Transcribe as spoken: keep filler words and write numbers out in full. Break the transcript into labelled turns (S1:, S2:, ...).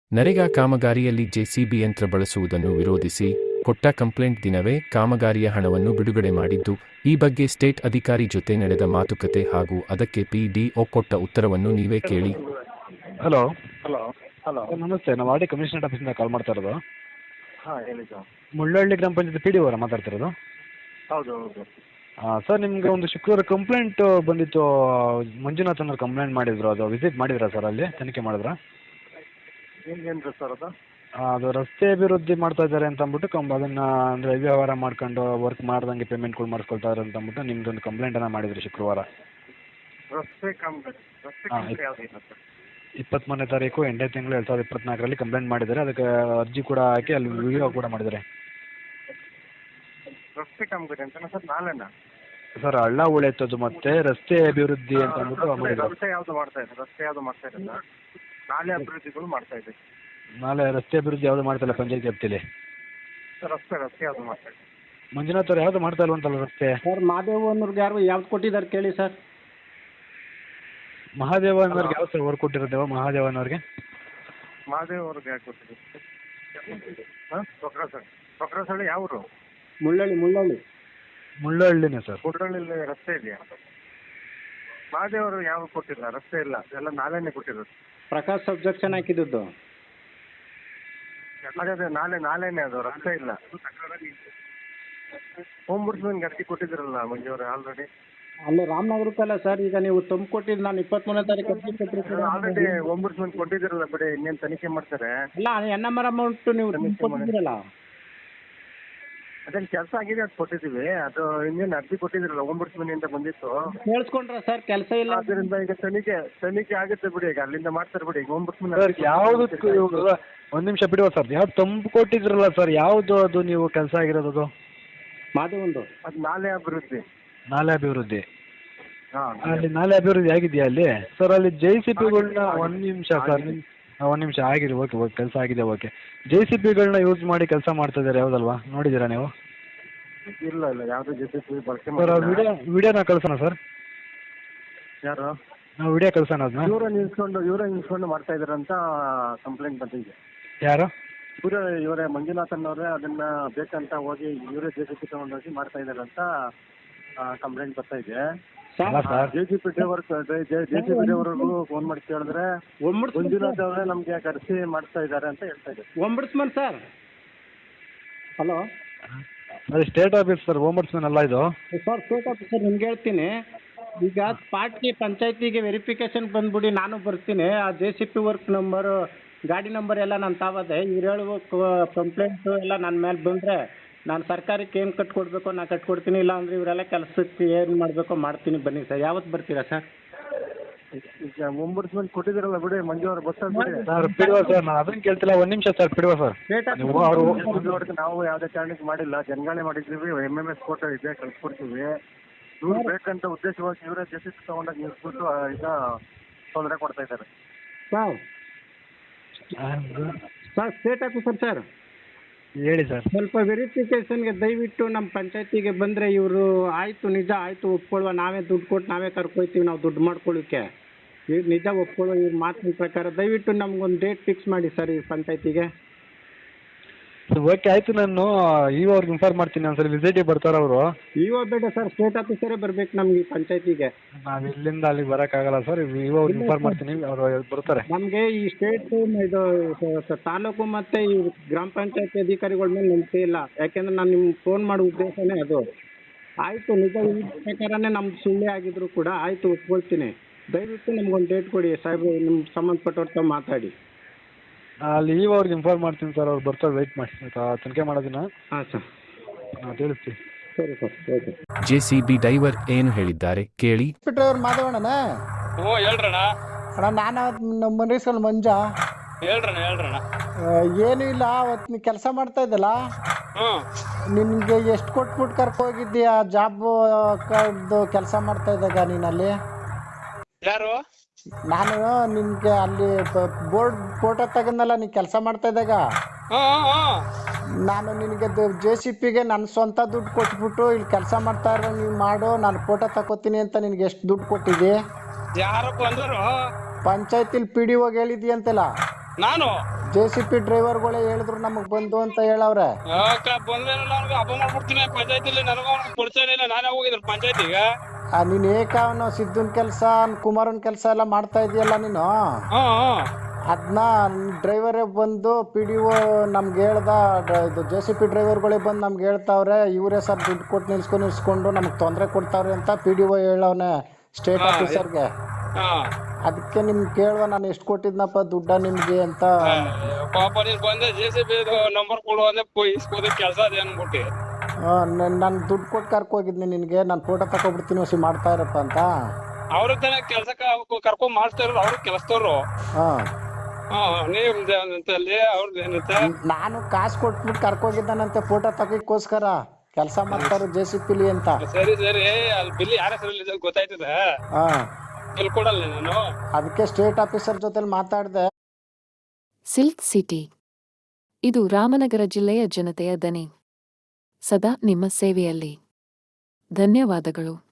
S1: NREGA ಕಾಮಗಾರಿಯಲ್ಲಿ JCB ಯಂತ್ರ ಬಳಸುವುದನ್ನು ವಿರೋಧಿಸಿ ಕೊಟ್ಟ ಕಂಪ್ಲೇಂಟ್ ದಿನವೇ ಕಾಮಗಾರಿಯ ಹಣವನ್ನು ಬಿಡುಗಡೆ ಮಾಡಿದ್ದು, ಈ ಬಗ್ಗೆ ಸ್ಟೇಟ್ ಅಧಿಕಾರಿ ಜೊತೆ ನಡೆದ ಮಾತುಕತೆ ಹಾಗೂ ಅದಕ್ಕೆ ಪಿಡಿಒ ಕೊಟ್ಟ ಉತ್ತರವನ್ನು ನೀವೇ ಕೇಳಿ.
S2: ಹಲೋ
S3: ಹಲೋ ಹಲೋ
S2: ನಮಸ್ತೆ, ನಾವು ಆರ್ ಡಿ ಕಮಿಷನರ್ ಆಫೀಸಿಂದ ಕಾಲ್ ಮಾಡ್ತಾ ಇರೋದು.
S3: ಹಾಂ ಹೇಳಿ ಸರ್.
S2: ಮುಳ್ಳಹಳ್ಳಿ ಗ್ರಾಮ ಪಂಚಾಯತ್ ಪಿ ಡಿ ಅವರ ಮಾತಾಡ್ತಿರೋದು.
S3: ಹೌದು ಹೌದು
S2: ಹಾಂ ಸರ್, ನಿಮಗೆ ಒಂದು ಶುಕ್ರವಾರ ಕಂಪ್ಲೇಂಟ್ ಬಂದಿತ್ತು. ಮಂಜುನಾಥ್ ಅನ್ನೋರು ಕಂಪ್ಲೇಂಟ್ ಮಾಡಿದ್ರು. ಅದು ವಿಸಿಟ್ ಮಾಡಿದ್ರಾ ಸರ್? ಅಲ್ಲಿ ತನಿಖೆ ಮಾಡಿದ್ರಾ?
S3: ಏನು ಸರ್ ಅದು?
S2: ಅದು ರಸ್ತೆ ಅಭಿವೃದ್ಧಿ ಮಾಡ್ತಾ ಇದ್ದಾರೆ ಅಂತ ಅಂದ್ಬಿಟ್ಟು ಕಂಬ ಅದನ್ನು ಅಂದರೆ ವ್ಯವಹಾರ ಮಾಡ್ಕೊಂಡು ವರ್ಕ್ ಮಾಡ್ದಂಗೆ ಪೇಮೆಂಟ್ಗಳು ಮಾಡಿಸ್ಕೊಳ್ತಾರೆ ಅಂತ ಅಂದ್ಬಿಟ್ಟು ನಿಮ್ದೊಂದು ಕಂಪ್ಲೇಂಟನ್ನು ಮಾಡಿದ್ರು ಶುಕ್ರವಾರ.
S3: ರಸ್ತೆ ಕಾಮಗಾರಿ ರಸ್ತೆ
S2: ಹಾಂ,
S3: ಕಾಮಗಾರಿ ಯಾವುದಿಲ್ಲ ಸರ್.
S2: ಇಪ್ಪತ್ತ್ಮೂರನೇ ತಾರೀಕು ಎಂಟನೇ ತಿಂಗಳು ಎರಡು ಸಾವಿರದ ಇಪ್ಪತ್ನಾಲ್ಕರಲ್ಲಿ ಕಂಪ್ಲೇಂಟ್ ಮಾಡಿದ್ದಾರೆ. ಅದಕ್ಕೆ ಅರ್ಜಿ ಕೂಡ ಹಾಕಿ ಅಲ್ಲಿ ವಿಡಿಯೋ ಕೂಡ ಮಾಡಿದ್ದಾರೆ.
S3: ರಸ್ತೆ ಕಾಮಗಾರಿ ಅಂತನಾ ಸರ್? ನಾಳೆನಾ
S2: ಸರ್, ಹಳ್ಳ ಉಳೆತ್ತದು ಮತ್ತೆ ರಸ್ತೆ ಅಭಿವೃದ್ಧಿ ಅಂತ ಅಂದ್ಬಿಟ್ಟು ಮಾಡಿದ್ದಾರೆ.
S3: ರಸ್ತೆ ಯಾವುದು ಮಾಡ್ತಾ ಇದೆ? ರಸ್ತೆ ಯಾವುದು ಮಾಡ್ತಾ ಇರಲ್ಲ, ನಾಳೆ ಅಭಿವೃದ್ಧಿಗಳು ಮಾಡ್ತಾ ಇದೆ.
S2: ನಾಳೆ ರಸ್ತೆ ಅಭಿವೃದ್ಧಿ ಯಾವುದು ಮಾಡ್ತಾಯಿಲ್ಲ ಪಂಚಾಯತ್ ವ್ಯಾಪ್ತಿಯಲ್ಲಿ.
S3: ರಸ್ತೆ ರಸ್ತೆ ಯಾವುದು ಮಾಡ್ತಾ ಇದೆ?
S2: ಮಂಜುನಾಥ್ ಅವ್ರು ಯಾವುದು ಮಾಡ್ತಾ ಇಲ್ವಂತಲ್ಲ ರಸ್ತೆ?
S4: ಸರ್, ಮಾದೇವ್ ಅನ್ನೋರ್ಗೆ ಯಾರು ಯಾವ್ದು ಕೊಟ್ಟಿದ್ದಾರೆ ಕೇಳಿ ಸರ್.
S2: ಮಹಾದೇವ ಅನ್ನೋರ್ಗೆ ಯಾವ ಸರ್ ವರ್ಕ್ ಕೊಟ್ಟಿರೋದೇವ? ಮಹಾದೇವ ಅನ್ನೋರಿಗೆ
S3: ಮಹಾದೇವ್ ಅವ್ರಿಗೆ ಯಾಕೆ ಕೊಟ್ಟಿದೆ? ಹಾಂ, ಕೊಕ್ರಸಳ್ಳಿ. ಕೊಕ್ರಸಳ್ಳಿ ಯಾವರು?
S4: ಮುಳ್ಳಳ್ಳಿ ಮುಳ್ಳಳ್ಳಿ
S2: ಮುಳ್ಳಹಳ್ಳಿನೇ ಸರ್.
S3: ಕುಡ್ರಳ್ಳಿ ರಸ್ತೆ ಇದೆಯಾ? ಮಹಾದೇವ್ ಅವರು ಯಾವ ಕೊಟ್ಟಿಲ್ಲ, ರಸ್ತೆ ಇಲ್ಲ, ಎಲ್ಲ ನಾಳೆನೇ ಕೊಟ್ಟಿರೋದು.
S4: ಪ್ರಕಾಶ್ ಸಬ್ಜೆಕ್ಷನ್ ಹಾಕಿದ್ದು.
S3: ಅದೇ ಅದೇ ನಾಳೆ ನಾಳೆನೇ ಅದು, ರಸ್ತೆ ಇಲ್ಲ. ಹೋಮ್ ಬುಡ್ಸ್ಮನ್ಗೆ ಅರ್ಜಿ ಕೊಟ್ಟಿದ್ದೀರಲ್ಲ ಮಂಜು ಅವರೇ ಆಲ್ರೆಡಿ?
S4: ಅಲ್ಲಿ ರಾಮನಗರಕ್ಕಲ್ಲ ಸರ್, ಈಗ ನೀವು ತುಂಬ ಕೊಟ್ಟಿದ್ದು ನಾನು ಇಪ್ಪತ್ತ್ಮೂರನೇ ತಾರೀಕು ಅರ್ಜಿ ಕೊಟ್ಟಿರ್ತೀರ.
S3: ಆಲ್ರೆಡಿ ಹೋಮ್ ಬುಡ್ಸ್ಮನ್ ಕೊಟ್ಟಿದ್ದೀರಲ್ಲ ಬಿಡಿ, ಇನ್ನೇನು ತನಿಖೆ ಮಾಡ್ತಾರೆ.
S4: ಅಲ್ಲ, ಎನ್ ಎಮ್ ಆರ್ ಅಮೌಂಟು ನೀವು ಕೊಟ್ಟಿದ್ದೀರಲ್ಲ.
S3: ಅದೇನು ಕೆಲಸ ಆಗಿದೆ ಅದು ಕೊಟ್ಟಿದ್ದೀವಿ. ಅದು ಇನ್ನೇನು ಅರ್ಜಿ ಕೊಟ್ಟಿದ್ದೀರಲ್ಲ ಹೋಮ್ ಬುಡ್ಸ್ಮನಿಂದ ಬಂದಿತ್ತು.
S4: ಕೇಳಿಸ್ಕೊಂಡ್ರ ಸರ್? ಕೆಲಸ ಇಲ್ಲ
S3: ಆದ್ದರಿಂದ ಈಗ ತನಿಖೆ ತನಿಖೆ ಆಗುತ್ತೆ ಬಿಡಿ, ಈಗ ಅಲ್ಲಿಂದ ಮಾಡ್ತಾರೆ ಬಿಡಿ. ಈಗ ಹೋಮ್ ಬುಡ್ಸ್ಮನ್
S2: ಸರ್ ಯಾವುದಕ್ಕೂ ಒಂದು ನಿಮಿಷ ಬಿಡುವ ಸರ್. ಯಾವ್ದು ತಂಪು ಕೊಟ್ಟಿದ್ರಲ್ಲ ಸರ್, ಯಾವುದು ಅದು ನೀವು ಕೆಲಸ ಆಗಿರೋದು? ಅದು
S4: ಮಾದೇವಂದು
S3: ಅದು ನಾಳೆ ಅಭಿವೃದ್ಧಿ.
S2: ನಾಲೆ ಅಭಿವೃದ್ಧಿ.
S3: ಹಾಂ,
S2: ಅಲ್ಲಿ ನಾಲೆ ಅಭಿವೃದ್ಧಿ ಆಗಿದೆಯಾ ಅಲ್ಲಿ ಸರ್? ಅಲ್ಲಿ ಜೆ ಸಿ ಪಿಗಳನ್ನ ಒಂದು ನಿಮಿಷ ಸರ್, ಒಂದು ನಿಮಿಷ ಆಗಿದೆ. ಓಕೆ ಓಕೆ ಕೆಲಸ ಆಗಿದೆ. ಓಕೆ, ಜೆ ಸಿ ಪಿಗಳನ್ನ ಯೂಸ್ ಮಾಡಿ ಕೆಲಸ ಮಾಡ್ತಾ ಇದ್ದಾರೆ, ಯಾವುದಲ್ವಾ? ನೋಡಿದ್ದೀರಾ ನೀವು?
S3: ಇಲ್ಲ ಇಲ್ಲ, ಯಾವುದೇ ಜೊತೆ ಬಳಕೆ
S2: ಸರ್,
S3: ಮಾಡಿಲ್ಲ.
S2: ವಿಡಿಯೋ ವಿಡಿಯೋನ ಕಳ್ಸೋಣ ಸರ್?
S3: ಯಾರು?
S2: ನಾವು ವಿಡಿಯೋ ಕಳ್ಸೋಣ ಅದನ್ನ?
S3: ಇವರೇ ನಿಲ್ಸ್ಕೊಂಡು ಇವರೇ ನಿಲ್ಸ್ಕೊಂಡು ಮಾಡ್ತಾ ಇದ್ದಾರೆ ಅಂತ ಕಂಪ್ಲೇಂಟ್ ಬಂದಿದೆ.
S2: ಯಾರು?
S3: ಇವರೇ ಇವರೇ ಮಂಜುನಾಥನ್ ಅವರೇ ಅದನ್ನ ಬೇಕಂತ ಹೋಗಿ ಇವರೇ ಜೆ ಸಿ ಪಿ ತಗೊಂಡೋಗಿ ಮಾಡ್ತಾ ಇದ್ದಾರೆ ಅಂತ ಕಂಪ್ಲೇಂಟ್ ಬರ್ತಾ ಇದೆ.
S2: ಅಲ್ಲ sir,
S3: J C B driver J C B ಡ್ರೈವರ್ಗೂ ಫೋನ್ ಮಾಡಿ ಕೇಳಿದ್ರೆ ಮಂಜುನಾಥ್ ಅವರೇ ನಮಗೆ ಕರೆಸಿ ಮಾಡ್ತಾ ಇದ್ದಾರೆ ಅಂತ ಹೇಳ್ತಾ ಇದ್ದಾರೆ.
S4: Ombudsman sir. ಹಲೋ,
S2: ಅದು ಸ್ಟೇಟ್ ಆಫೀಸ್ ಸರ್, ಓಂಬಡ್ಸ್ಮನ್ ಅಲ್ಲ ಇದು.
S4: ಸರ್, ಸ್ಟೇಟ್ ಆಫೀಸರ್ ನಿಮ್ಗೆ ಹೇಳ್ತೀನಿ. ಈಗ ಪಾರ್ಟಿ ಪಂಚಾಯತಿಗೆ ವೆರಿಫಿಕೇಶನ್ ಬಂದ್ಬಿಡಿ, ನಾನು ಬರ್ತೀನಿ. ಆ J C B work number, ಗಾಡಿ ನಂಬರ್ ಎಲ್ಲ ನಾನು ತಾವದೆ. ಇವ್ರು ಹೇಳುವ ಕಂಪ್ಲೇಂಟು ಎಲ್ಲ ನನ್ನ ಮೇಲೆ ಬಂದರೆ ನಾನು ಸರ್ಕಾರಕ್ಕೆ ಏನು ಕಟ್ಕೊಡ್ಬೇಕೋ ನಾನು ಕಟ್ಕೊಡ್ತೀನಿ. ಇಲ್ಲ ಅಂದರೆ ಇವರೆಲ್ಲ ಕೆಲಸಕ್ಕೆ ಏನು ಮಾಡಬೇಕೋ ಮಾಡ್ತೀನಿ. ಬನ್ನಿ ಸರ್, ಯಾವತ್ತು ಬರ್ತೀರಾ ಸರ್?
S3: ಈಗ ಒಂಬಡ್ಸ್ಮನ್ ಕೊಟ್ಟಿದ್ದೀರಲ್ಲ ಬಿಡಿ ಮಂಜು ಅವರು, ಬರ್ತಾರೆ ಬಿಡಿ.
S2: ಸರ್ ಬಿಡುವ ಸರ್, ನಾನು ಅದನ್ನು ಕೇಳ್ತಿಲ್ಲ. ಒಂದು ನಿಮಿಷ ಸರ್, ಬಿಡುವ ಸರ್. ನೀವು ಅವರು
S3: ಮಂಜು ನಾವು ಯಾವುದೇ ಕಾರಣಕ್ಕೆ ಮಾಡಿಲ್ಲ, ಜನಗಣನೆ ಮಾಡಿದ್ದೀವಿ. ಎಮ್ ಎಮ್ ಎಸ್ ಫೋಟೋ ಇದೆ, ಕಳ್ಸ್ಕೊಡ್ತೀವಿ. ಇವ್ರು ಬೇಕಂತ ಉದ್ದೇಶವಾಗಿ ಇವರೇ ಜೆ ಸಿ ಪಿ ತಗೊಂಡಾಗ ನಿಲ್ಸ್ಬಿಟ್ಟು ಈಗ ತೊಂದರೆ ಕೊಡ್ತಾ ಇದ್ದಾರೆ.
S4: Sir sir state officer sir,
S2: ಹೇಳಿ ಸರ್.
S4: ಸ್ವಲ್ಪ ವೆರಿಫಿಕೇಷನ್ಗೆ ದಯವಿಟ್ಟು ನಮ್ಮ ಪಂಚಾಯತಿಗೆ ಬಂದರೆ ಇವರು ಆಯಿತು, ನಿಜ ಆಯಿತು, ಒಪ್ಕೊಳ್ಳುವ, ನಾವೇ ದುಡ್ಡು ಕೊಟ್ಟು ನಾವೇ ಕರ್ಕೊಯ್ತೀವಿ, ನಾವು ದುಡ್ಡು ಮಾಡ್ಕೊಳ್ಳಿಕ್ಕೆ. ಇವ್ರು ನಿಜ ಒಪ್ಕೊಳ್ಳೋ, ಇವ್ರ ಮಾತಿನ ಪ್ರಕಾರ ದಯವಿಟ್ಟು ನಮ್ಗೊಂದು ಡೇಟ್ ಫಿಕ್ಸ್ ಮಾಡಿ ಸರ್ ಈ ಪಂಚಾಯತಿಗೆ.
S2: ಓಕೆ ಆಯಿತು, ನಾನು ಇವ ಅವ್ರಿಗೆ ಇನ್ಫಾರ್ಮ್ ಮಾಡ್ತೀನಿ. ಒಂದ್ಸಲ ವಿಸಿಟಿಗೆ ಬರ್ತಾರೆ ಅವರು.
S4: ಇವ ಬೇಡ ಸರ್, ಸ್ಟೇಟ್ ಆಫೀಸರೇ ಬರ್ಬೇಕು ನಮ್ಗೆ ಈ ಪಂಚಾಯತಿಗೆ.
S2: ನಾವು ಇಲ್ಲಿಂದ ಅಲ್ಲಿಗೆ ಬರೋಕ್ಕಾಗಲ್ಲ ಸರ್, ಇವ ಅವ್ರಿಗೆ ಇನ್ಫಾರ್ಮ್ ಮಾಡ್ತೀನಿ, ಅವರು ಬರ್ತಾರೆ.
S4: ನಮಗೆ ಈ ಸ್ಟೇಟ್ ಇದು ತಾಲೂಕು ಮತ್ತು ಈ ಗ್ರಾಮ ಪಂಚಾಯತಿ ಅಧಿಕಾರಿಗಳ ಮೇಲೆ ನಂಬಿಕೆ ಇಲ್ಲ. ಯಾಕೆಂದ್ರೆ ನಾನು ನಿಮ್ಗೆ ಫೋನ್ ಮಾಡೋ ಉದ್ದೇಶನೇ ಅದು. ಆಯಿತು, ನಿಜ ಈ ಪ್ರಕಾರನೇ ನಮ್ದು ಸುಳ್ಳೆ ಆಗಿದ್ರು ಕೂಡ ಆಯಿತು, ಒಪ್ಕೊಳ್ತೀನಿ. ದಯವಿಟ್ಟು ನಮ್ಗೊಂದು ಡೇಟ್ ಕೊಡಿ ಸಾಹೇಬ್ರು, ನಿಮ್ಮ ಸಂಬಂಧಪಟ್ಟವ್ರ ತಾವು ಮಾತಾಡಿ.
S2: ಅಲ್ಲಿ ಇವ ಅವ್ರಿಗೆ ಇನ್ಫಾರ್ಮ್ ಮಾಡ್ತೀನಿ ಸರ್, ಅವ್ರು ಬರ್ತಾರೆ, ವೆಯ್ಟ್ ಮಾಡಿ ತನಿಖೆ ಮಾಡೋದನ್ನ.
S4: ಹಾಂ ಸರ್,
S2: ನಾವು ತಿಳಿಸ್ತೀವಿ.
S4: ಸರಿ ಸರ್, ಓಕೆ.
S1: ಜೆಸಿಬಿ ಡೈವರ್ ಏನು ಹೇಳಿದ್ದಾರೆ ಕೇಳಿ.
S5: ಡ್ರೈವರ್ ಮಾಧವಣ್ಣನ?
S6: ಹ್ಞೂ ಹೇಳ್ರಣ್ಣ.
S5: ಅಣ್ಣ, ನಾನು ನಮ್ಮ ಮನೇಶ್ವರ ಮಂಜ.
S6: ಹೇಳ್ರಣ್ಣ ಹೇಳ್ರಣ್ಣ.
S5: ಏನೂ ಇಲ್ಲ, ಅವತ್ತು ನೀ ಕೆಲಸ ಮಾಡ್ತಾ ಇದ್ದಲ್ಲ,
S6: ಹ್ಞೂ
S5: ನಿನಗೆ ಎಷ್ಟು ಕೊಟ್ಬಿಟ್ಟು ಕರ್ಕೋಗಿದ್ದೀಯ ಜಾಬ್ ಕಾರ್ಡ್ದು ಕೆಲಸ ಮಾಡ್ತಾ ಇದ್ದಾಗ ನೀನಲ್ಲಿ?
S6: ಯಾರು?
S5: ನಾನು ನಿನಗೆ ಅಲ್ಲಿ ಬೋರ್ಡ್ ಫೋಟೋ ತೆಗೆದ್ನಲ್ಲ ನೀ ಕೆಲಸ ಮಾಡ್ತಾ ಇದ್ದಾಗ,
S6: ಹ್ಞೂ ಹ್ಞೂ
S5: ನಾನು ನಿನಗೆ ಜೆ ಸಿ ಪಿಗೆ ನನ್ನ ಸ್ವಂತ ದುಡ್ಡು ಕೊಟ್ಬಿಟ್ಟು ಇಲ್ಲಿ ಕೆಲಸ ಮಾಡ್ತಾ ಇರೋ ನೀವು ಮಾಡು, ನಾನು ಫೋಟೋ ತಗೋತೀನಿ ಅಂತ ನಿನಗೆ ಎಷ್ಟು ದುಡ್ಡು ಕೊಟ್ಟಿದ್ದಿ?
S6: ಯಾರು ಬಂದರು?
S5: ಪಂಚಾಯತಿಲಿ ಪಿ ಡಿ ಹೋಗಿ ಹೇಳಿದ್ದಿ ಅಂತಲ್ಲ.
S6: ನಾನು
S5: ಜೆ ಸಿ ಪಿ ಡ್ರೈವರ್ಗಳೇ ಹೇಳಿದ್ರು ನಮಗೆ ಬಂದು ಅಂತ ಹೇಳವ್ರೆ.
S6: ಯಾಕ ಬಂದ್ಮೇಲೆ ಅವ್ನಿಗೆ ಹಬ್ಬ ಮಾಡ್ಬಿಡ್ತೀನಿ ಪಂಚಾಯತಿಲಿ. ನನಗೂ ಅವ್ನಿಗೆ ಪರಿಚಯ ಇಲ್ಲ, ನಾನೇ ಹೋಗಿದ್ದೀನಿ ಪಂಚಾಯತಿಗೆ.
S5: ಆ, ನೀನ್ ಏಕ ಅವನು ಸಿದ್ಧನ್ ಕೆಲಸ ಕುಮಾರನ್ ಕೆಲಸ ಎಲ್ಲ ಮಾಡ್ತಾ ಇದೆಯಲ್ಲ ನೀನು,
S6: ಹಾ
S5: ಅದನ್ನ ಡ್ರೈವರೇ ಬಂದು ಪಿ ಡಿ ಒ ನಮ್ಗೆ ಹೇಳ್ದ, ಡ- ಇದು ಜೆ ಸಿ ಪಿ ಡ್ರೈವರ್ಗಳೇ ಬಂದು ನಮ್ಗೆ ಹೇಳ್ತಾವ್ರೆ ಇವರೇ ಸರ್ ದುಡ್ಡು ಕೊಟ್ಟು ನಿಲ್ಸ್ಕೊಂಡು ನಿಲ್ಸ್ಕೊಂಡು ನಮ್ಗೆ ತೊಂದರೆ ಕೊಡ್ತಾವ್ರೆ ಅಂತ ಪಿ ಡಿ ಒ ಹೇಳವನೆ ಸ್ಟೇಟ್
S6: ಹಾ,
S5: ಆಫೀಸರ್ಗೆ.
S6: ಹಾ
S5: ಅದಕ್ಕೆ ನಿಮ್ಗೆ ಕೇಳುವ ನಾನು ಎಷ್ಟು ಕೊಟ್ಟಿದ್ನಪ್ಪ ದುಡ್ಡ ನಿಮ್ಗೆ ಅಂತ.
S6: ಪಾಪ ನೀನ್ ಬಂದೆ ಜೆ ಸಿ ಬಿ ನಂಬರ್ ಕೊಡು ಅಂದ್ರೆ ಇಸ್ಕೋದ ಕೆಲಸ ಅದೇ ಅನ್ಬಿಟ್ಟು.
S5: ನಾನು ದುಡ್ಡು ಕೊಟ್ಟು ಕರ್ಕೋಗಿದ್ನಿ ನಿನಗೆ, ನಾನು ಫೋಟೋ ತಗೊಬಿಡ್ತೀನಿ ಹೊಸಿ ಮಾಡ್ತಾ ಇರಪ್ಪ ಅಂತ.
S6: ಅವ್ರ ತಾನೇ ಕೆಲ್ಸಕ್ಕೆ ಕರ್ಕೊಂಡ್ ಮಾಡ್ತಾ ಇರೋರು, ಅವ್ರು ಕೆಲಸದವ್ರು.
S5: ಹಾಂ,
S6: ಹಾ ನೀವ್ದಲ್ಲಿ ಅವ್ರದ್ದು ಏನಂತ
S5: ನಾನು ಕಾಸು ಕೊಟ್ಬಿಟ್ಟು ಕರ್ಕೋಗಿದ್ದಾನಂತೆ ಫೋಟೋ ತಗೋಕ್ಕೋಸ್ಕರ ಕೆಲಸ ಮಾಡ್ತಾರೆ ಜೆ ಸಿ ಪಿಲಿ ಅಂತ.
S6: ಸರಿ ಸರಿ ಅಲ್ಲಿ ಬಿಲ್ ಯಾರ ಹೆಸರಲ್ಲಿ ಗೊತ್ತಾಯ್ತದ,
S5: ಹಾಂ,
S6: ಬಿಲ್ ಕೊಡಲ್ಲ ನಾನು.
S5: ಅದಕ್ಕೆ ಸ್ಟೇಟ್ ಆಫೀಸರ್ ಜೊತೆಲಿ ಮಾತಾಡಿದೆ.
S7: ಸಿಲ್ಕ್ ಸಿಟಿ, ಇದು ರಾಮನಗರ ಜಿಲ್ಲೆಯ ಜನತೆಯ ದನಿ, ಸದಾ ನಿಮ್ಮ ಸೇವೆಯಲ್ಲಿ. ಧನ್ಯವಾದಗಳು.